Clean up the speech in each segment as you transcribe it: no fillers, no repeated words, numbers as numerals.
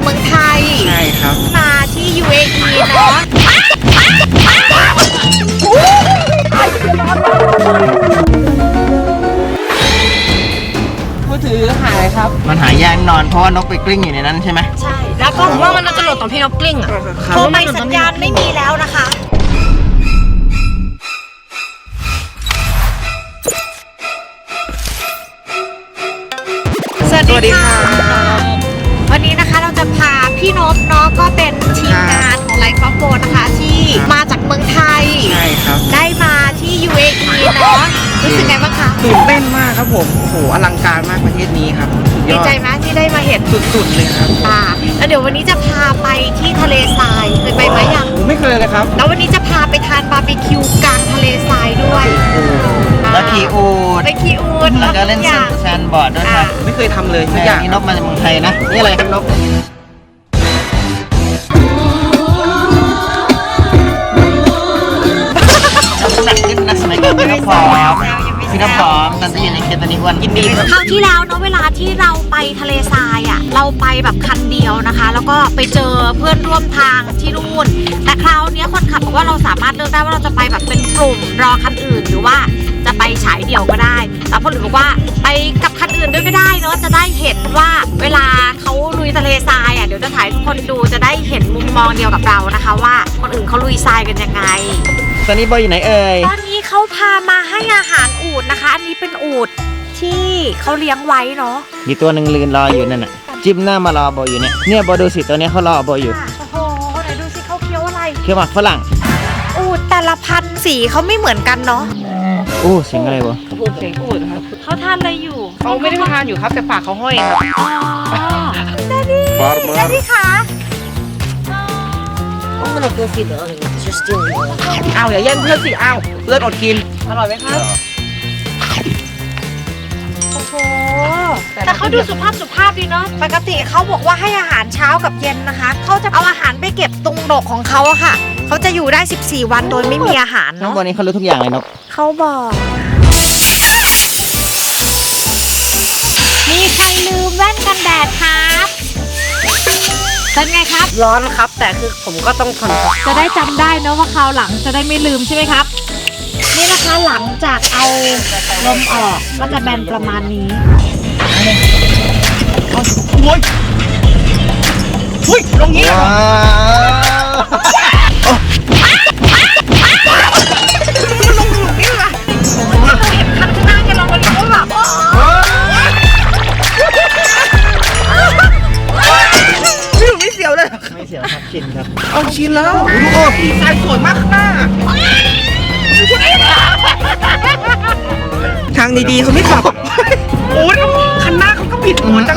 มืองไทยใช่ครับมาที่ UAE เนาะมือถือหายครับมันหายยากนอนเพราะว่านกไปกลิ้งอยู่ในนั้นใช่ไหมใช่แล้วก็ผมว่ามันจะหลุดตอนพี่นกกลิ้งอ่ะโทรไปสัญญาณไม่มีแล้วนะคะสวัสดีค่ะวันนี้นะคะเราจะพาพี่นพเนาะก็เป็นทีมงานของไลฟ์ฟอโฟนะคะที่มาจากเมืองไทยใช่ครับได้มาที่ UAE เนาะรู้สึกไงบ้างคะตื่นเต้นมากครับผมโอ้โหอลังการมากประเทศนี้ครับดีใจไหมที่ได้มาเห็นสุดๆเลยครับแล้วเดี๋ยววันนี้จะพาไปที่ทะเลทรายเคยไปไหมยังไม่เคยเลยครับแล้ววันนี้จะพาไปทานบาร์บีคิวกลางทะเลทรายด้วยแล้วขี่อูฐไปขี่อูฐแล้วก็เล่นแซนบอร์ดด้วยครับไม่เคยทำเลยทุกอย่างนี่นกมาจากเมืองไทยนะนี่อะไรครับนกหนักขึ้นนะสมัยก่อนพี่น้ำผอมตอนที่อยู่ในเคสตอนนี้อ้วนยินดีครับคราวที่แล้วเนาะเวลาที่เราไปทะเลทรายอ่ะเราไปแบบคันเดียวนะคะแล้วก็ไปเจอเพื่อนร่วมทางที่นู่นแต่คราวนี้คนขับบอกว่าเราสามารถเลือกได้ว่าเราจะไปแบบเป็นกลุ่มรอคันอื่นหรือว่าจะไปฉายเดี่ยวก็ได้แล้วคนอื่นบอกว่าไปกับคันอื่นด้วยก็ได้เนาะจะได้เห็นว่าเวลาเขาลุยทะเลทรายอ่ะเดี๋ยวจะถ่ายทุกคนดูจะได้เห็นมุมมองเดียวกับเรานะคะว่าคนอื่นเขาลุยทรายกันยังไงตอนนี้บอยอยู่ไหนเอ่ยตอนนี้เขาพามาให้อาหารอูฐนะคะอันนี้เป็นอูฐที่เขาเลี้ยงไว้เนาะมีตัวหนึ่งลืนรออยู่นั่นน่ะจิ้มหน้ามารอบอยอยู่เนี่ยบอยดูสิตัวนี้เขารอบอยอยู่โอ้โหไหนดูสิเขาเคี้ยวอะไรเคี้ยวหมากฝรั่งอูฐแต่ละพันธุ์สีเขาไม่เหมือนกันเนาะเสียงอะไรวะเสียงอูฐครับเขาทานอะไรอยู่เขาไม่ได้ทานอยู่ครับแต่ปากเขาห้อยครับแดดดี้ค่ะเอาอย่าแย่งเพื่อนสิเอาเพื่อนอดกินอร่อยไหมครับโอ้โหแต่เขาดูสุภาพดีเนาะปกติเขาบอกว่าให้อาหารเช้ากับเย็นนะคะเขาจะเอาอาหารไปเก็บตรงดกของเขาอะค่ะเขาจะอยู่ได้14วันโดยไม่มีอาหารเนาะวันนี้เขารู้ทุกอย่างเลยนกเขาบอกมีใครลืมแว่นกันแดดครับเป็นไงครับร้อนครับแต่คือผมก็ต้องทนจะได้จำได้นะว่าคราวหลังจะได้ไม่ลืมใช่ไหมครับนี่นะคะหลังจากเอาลมออกก็จะแบนประมาณนี้โอ้ยลงนี้ลงนี่ละเราเห็นคันข้างหน้าแกลองมาดูว่าแบบไม่เสียวเลยไม่เสียวครับชินครับเอาชินแล้วดูพี่สายสวยมากข้างหน้าทางดีๆเขาไม่ขับโอ้ยคันหน้าเขาก็บิดหัวจัง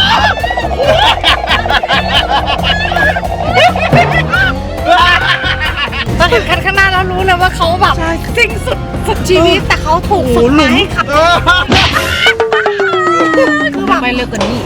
ตอนเห็นคันข้างหน้าแล้วรู้เลยว่าเขาแบบสิ่งสุดชีวิตแต่เขาถูกฝึกมาให้ขับคือแบบไม่เลิกกันนี่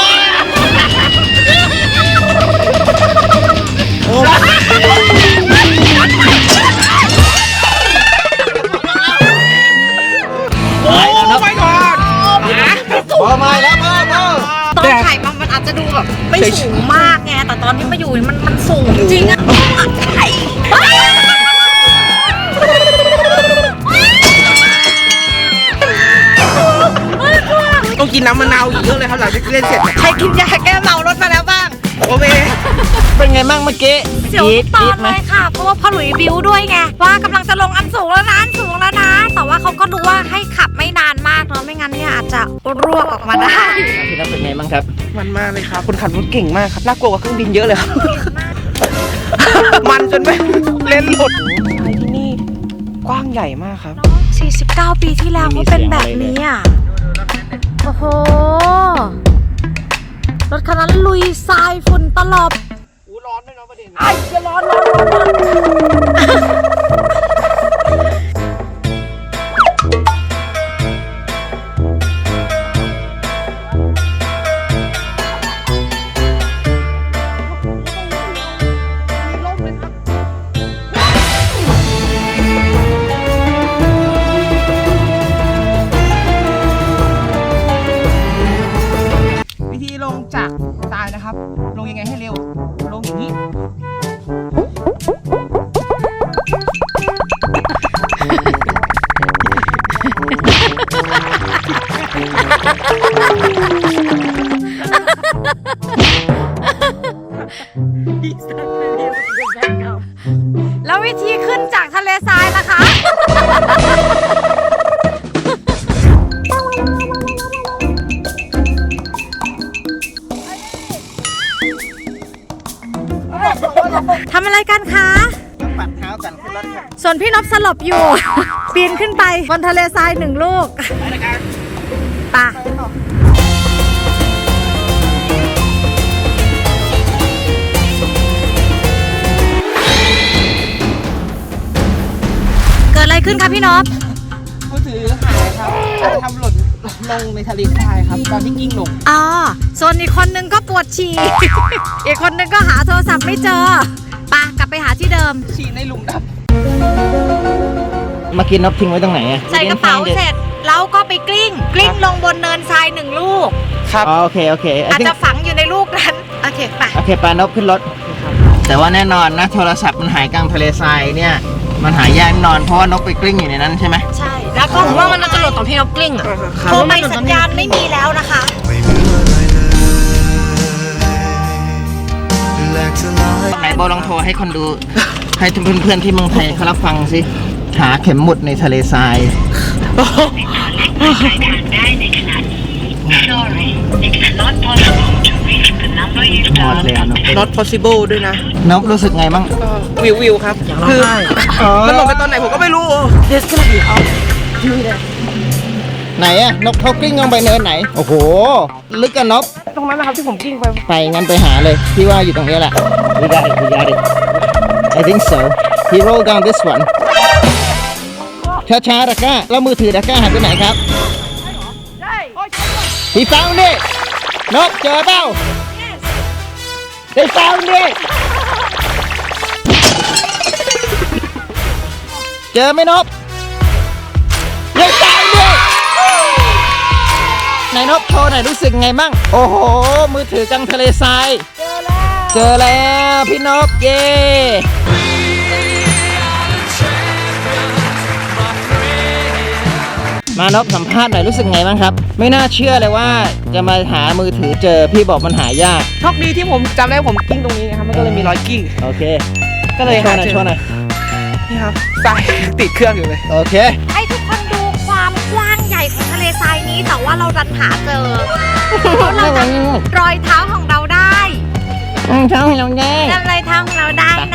พอมาแล้วพ่อตอนถ่ายมันอาจจะดูแบบไม่สูงมากไงแต่ตอนที่มาอยู่มันสูงจริงอะต้องกินน้ำมะนาวอีกเยอะเลยครับหลังจากเล่นเสร็จใครกินยาแก้เมารถมาแล้วบ้างโอเคเป็นไงบ้างเมื่อกี้เสียวตอนเลยค่ะเพราะว่าพ่อหลุยบิวด้วยไงว่ากำลังจะลงอันสูงแล้วนะแต่ว่าเขาก็ดูว่าให้ขับไม่นานมากเนาะไม่งั้นเนี่ยอาจจะร่วงออกมาได้พี่นัทเป็นไงบ้างครับมันมากเลยครับคนขับรถเก่งมากครับน่ากลัวกว่าเครื่องบินเยอะเลยครับมันจนไม่เล่นหมดไปที่นี่กว้างใหญ่มากครับ 49 ปีที่แล้วก็เป็นแบบนี้อ่ะโอ้โหรถคันนั้นลุยทรายฝุ่นตลบร้อนด้วยเนาะประเด็นไอ้จะร้อนวิธีลงจากทรายนะครับลงยังไงให้เร็วลงอย่างนี้แล้ววิธีขึ้นจากทะเลทรายล่ะคะ ทำอะไรกันคะปัดเท้ากันขึ้นรถครับส่วนพี่นพสลบอยู่ ปีนขึ้นไปบนทะเลทราย1 ลูกไปเกิดอะไรขึ้นคะพี่นพมือถือหายครับอาจจะทำหล่นลงในทะเลทรายครับตอนที่กิ้งลงอ๋อส่วนอีกคนนึงก็ปวดฉี่ อีกคนนึงก็หาโทรศัพท์ไม่เจอไปกลับไปหาที่เดิมฉี่ในหลุมดเมื่อกี้นบทิ้งไว้ตรงไหนอะใส่กระเป๋าเสร็จแล้วก็ไปกลิ้งลงบนเนินทราย1 ลูกำครับอ๋อโอเคโอเคอาจจะฝังอยู่ในลูกนั้น โอเคไปโอเคปานบขึ้นรถ แต่ว่าแน่นอนนะโทรศัพท์มันหายกลางทะเลทรายเนี่ยมันหายยากแน่นอนเพราะว่านกไปกลิ้งอยู่ในนั้นใช่ไหมใช่ แล้วก็ผมว่ามันน่าจะหลุดตอนพี่นกกลิ้งอ่ะโทรไปสัญญาณไม่มีแล้วนะคะไหนโบลองโทรให้คนดู ให้เพื่อนๆที่เมืองไทยเขารับฟังสิหาเข็มหมุดในทะเลทราย หมดแล้วนก not possible ด้วยนะนกรู้สึกไงบ้างวิวครับคือมันหล่นไปตอนไหนผมก็ไม่รู้ There's gonna be out ไหนอะนกเขากลิ้งลงไปเนินไหน โอ้โห ลึกกันนกตรงนั้นนะครับที่ผมกิ้งไปไปงั้นไปหาเลยพี่ว่าอยู่ตรงนี้แหละ We got it We got it I think so He rolled down this one ช้าๆดาก้าแล้วมือถือดาก้าหายไปไหนครับ He found it นกเจอเปล่า They found it เจอไหมนก They found it ไหนนกโชว์หน่อยรู้สึกไงมั่งโอ้โห มือถือกลางทะเลทราย เจอแล้วพี่นกเย้มานพสัมภาษณ์หน่อยรู้สึกไงบ้างครับ ไม่น่าเชื่อเลยว่าจะมาหามือถือเจอพี่บอกมันหายากโชคดีที่ผมจำได้ผมกิ้งตรงนี้นะครับมันก็เลยมีรอยกิ้งโอเคก็เลยโชว์หน่อยโชว์หน่อยนี่ครับทรายติดเครื่องอยู่เลยโอเคให้ทุกคนดูความกว้างใหญ่ของทะเลทรายนี้ แต่ว่าเราดันหาเจอเพราะเราจำรอยเท้าของเราได้เช้าให้เราแน่จำรอยเท้าของเราได้นะ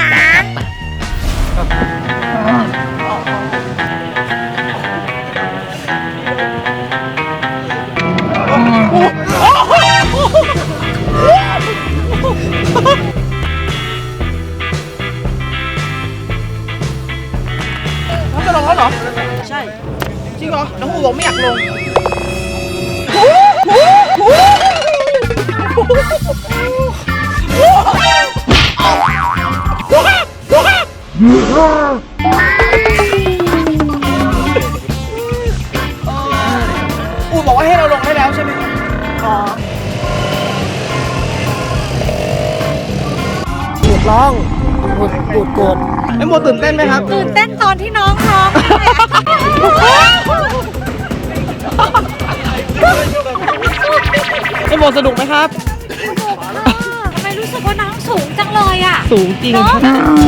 น้องจะลงแล้วเหรอ ใช่ จริงเหรอ น้องหูบอกไม่อยากลง อูบอกว่าให้เราลงได้แล้วใช่ไหมครับอ๋อปวดร้องปวดโกรธไอ้โมตื่นเต้นไหมครับตื่นเต้นตอนที่น้องร้องเลยอะไอ้โมสนุกไหมครับทำไมรู้สึกว่าน้องสูงจังเลยอ่ะสูงจริงครับ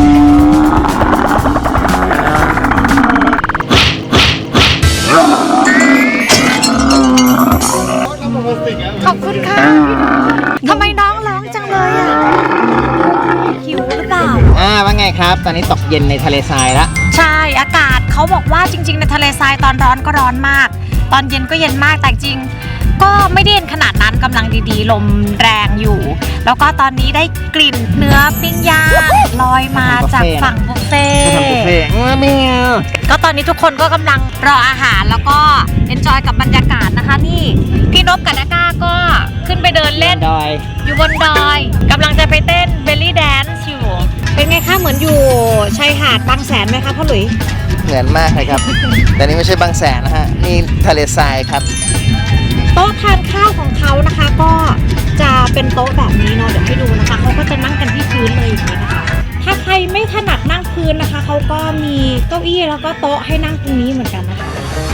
ขอบคุณค่ะทำไมน้องร้องจังเลยอ่ะหิวหรือเปล่าว่าไงครับ ตอนนี้ตกเย็นในทะเลทรายละใช่อากาศเขาบอกว่าจริงๆในทะเลทรายตอนร้อนก็ร้อนมาก ตอนเย็นก็เย็นมากแต่จริงก็ไม่ได้เย็นขนาดนั้นกำลังดีๆลมแรงอยู่ แล้วก็ตอนนี้ได้กลิ่นเนื้อปิ้งย่างลอยมาจากฝั่งบุฟเฟ่ทำบุฟเฟ่ไม่เอาก็ตอนนี้ทุกคนก็กำลังรออาหารแล้วก็เอนจอยกับบรรยากาศนะคะนี่พี่นพกับนาก้าก็ขึ้นไปเดินเล่นดอยอยู่บนดอยกำลังจะไปเต้นเบลลี่แดนซ์อยู่ เป็นไงคะเหมือนอยู่ชายหาดบางแสนไหมคะพ่อหลุยเหมือนมากเลยครับ แต่นี่ไม่ใช่บางแสนนะฮะ นี่ทะเลทรายครับโต๊ะทานข้าวของเขานะคะ ก็จะเป็นโต๊ะแบบนี้เนาะเดี๋ยวให้ดูนะคะเขาก็จะนั่งกันที่พื้นเลยอย่างนี้นะคะ ถ้าใครไม่ถนัดนั่งพื้นนะคะเขาก็มีเก้าอี้แล้วก็โต๊ะให้นั่งตรงนี้เหมือนกันนะคะ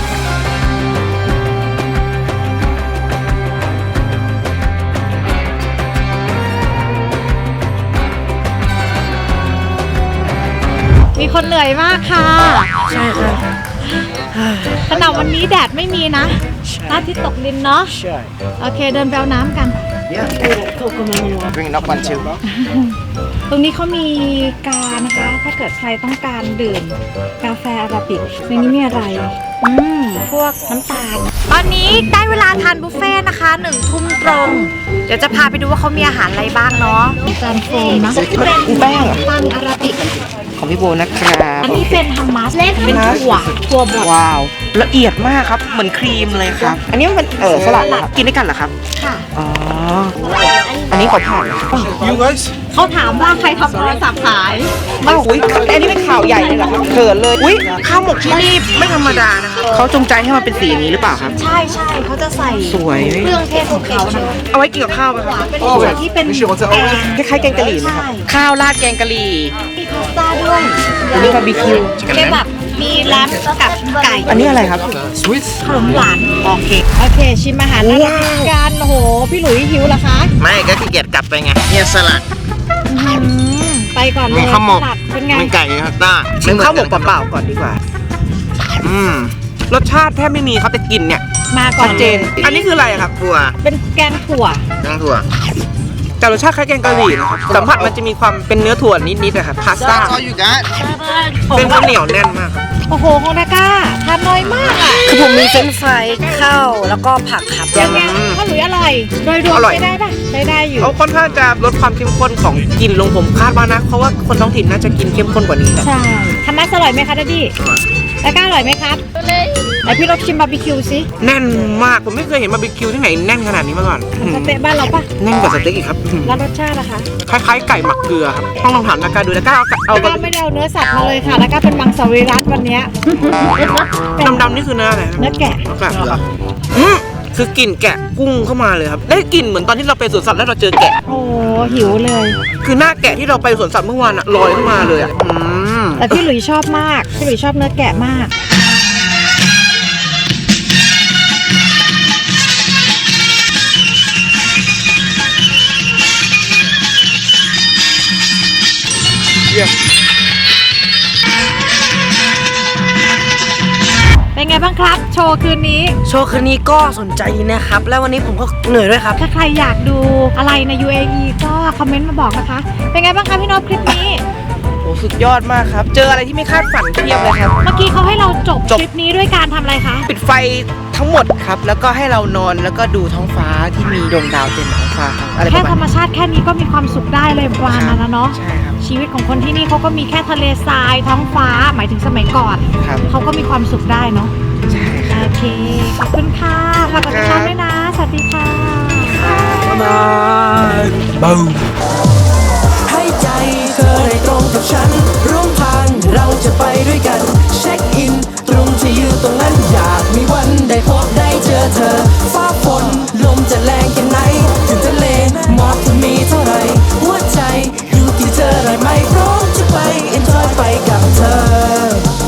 มีคนเหนื่อยมากค่ะใช่ค่ะขณะวันนี้แดดไม่มีนะพระอาทิตย์ตกดินเนาะใช่โอเคเดินไปเอาน้ำกัน bring up one two ตรงนี้เขามีกานะคะ ถ้าเกิดใครต้องการดื่มกาแฟอาราบิกในนี้มีอะไรพวกน้ำตาล ตอนนี้ได้เวลาทานบุฟเฟ่ต์นะคะ1 ทุ่มตรง เดี๋ยวจะพาไปดูว่าเขามีอาหารอะไรบ้างเนาะจานโฟมนะเป็นแป้งเหรอปังอาราบิกของพี่โบนะครับอันนี้เป็นฮัมมัสเป็นถั่วบดว้าว ละเอียดมากครับ เหมือนครีมเลยครับ อันนี้มันสลัดเหรอครับกินด้วยกันเหรอครับค่ะอ๋อ อันนี้ขอผ่าน You guys? เขาถามว่าใครทำโทรศัพท์ขายอ้าวอุ้ยแต่อันนี้เป็นข่าวใหญ่เลยเหรอครับเขินเลย อุ้ยข้าวหมกที่นี่ไม่ธรรมดานะครับเขาจงใจให้มันเป็นสีนี้หรือเปล่าครับใช่ใช่เขาจะใส่สวยเครื่องเทศของเขานะคะเอาไว้กินกับข้าวไหมครับเป็นถั่วที่เป็นแกงคล้ายๆแกงกะหรี่ไหมครับใช่ข้าวราดแกงกะหรี่มีพาสต้าด้วยอันนี้บาร์บีคิวเป็นแบบมีแลมกับไก่อันนี้อะไรครับ Sweet? ขนมหวานโอเคโอเค ชิมอาหารแล้วกันโอ้โห พี่หลุยหิวเหรอคะไม่ก็ขี้เกียจกลับไปไงเนี่ยสลัดไปก่อนเลยมีข้าวหมกสลัดเป็นไงมีไก่มีพาสต้าชิมข้าวหมกเปล่าๆก่อนดีกว่าอืมรสชาติแทบไม่มีครับแต่กลิ่นเนี่ยมาก่อชันดเจน อันนี้คืออะไรครับถั่วเป็นแกงถั่วทั้งถั่วแต่รสชาติคล้ายแกงกะหรี่นะครับสัมผัสมันจะมีความเป็นเนื้อถั่วนิดๆนะครับพาสต้า That's all you got เป็นข้าวเหนียวแน่นมากครับโอ้โหของดาก้าทานน้อยมากอ่ะคือผมมีเฟรนช์ฟรายข้าวแล้วก็ผักครับยังไงถ้าหลุยอร่อย โดยรวมอร่อยใช้ได้ปะใช้ได้อยู่เขาค่อนข้างจะลดความเข้มข้นของกลิ่นลงผมคาดว่านะ เพราะว่าคนท้องถิ่นน่าจะกินเข้มข้นกว่านี้ครับใช่ทำมัสอร่อยไหมคะดัดดี้ดาก้าอร่อยไหมครับไหนพี่ลองชิมบาร์บีคิวสิแน่นมาก ผมไม่เคยเห็นบาร์บีคิวที่ไหนแน่นขนาดนี้มาก่อนเหมือนสเต๊ะบ้านเราปะแน่นกว่าสเต็กอีกครับแล้วรสชาตินะคะคล้ายๆไก่หมักเกลือครับต้องลองถามนาการดูนาการเอาดาก้าไม่ได้เอาเนื้อสัตว์มาเลยค่ะดาก้าเป็นมังสวิรัตวันเนี้ยดำๆนี่คือเนื้ออะไรครับเนื้อแกะแกะเหรอคือกลิ่นแกะกุ้งเข้ามาเลยครับ ได้กลิ่นเหมือนตอนที่เราไปสวนสัตว์แล้วเราเจอแกะโอ้หิวเลยคือหน้าแกะที่เราไปสวนสัตว์เมื่อวานอะลอยขึ้นมาเลยอะแต่พี่หลุยชอบมาก พี่หลุยชอบเนื้อแกะมาก เป็นไงบ้างครับ โชว์คืนนี้โชว์คืนนี้ก็สนใจนะครับ แล้ววันนี้ผมก็เหนื่อยด้วยครับถ้าใครอยากดูอะไรใน UAE ก็คอมเมนต์มาบอกนะคะ เป็นไงบ้างคะพี่โนพคลิปนี้โอ้สุดยอดมากครับ เจออะไรที่ไม่คาดฝันเพียบเลยครับเมื่อกี้เขาให้เราจบจบคลิปนี้ด้วยการทำอะไรคะปิดไฟทั้งหมดครับ แล้วก็ให้เรานอนแล้วก็ดูท้องฟ้าที่มีดวงดาวเต็มท้องฟ้าครับอะไรปแค่ระธรรมาณมชาติแค่นี้ก็มีความสุขได้เลยประมาณนั้นแล้วเนาะใช่ครับชีวิตของคนที่นี่เขาก็มีแค่ทะเลทรายท้องฟ้า หมายถึงสมัยก่อนครับเขาก็มีความสุขได้เนาะใช่ครับโอเค ขอบคุณค่ะฝากกดติดตามด้วยนะ สวัสดีค่ะบ๊ายบาย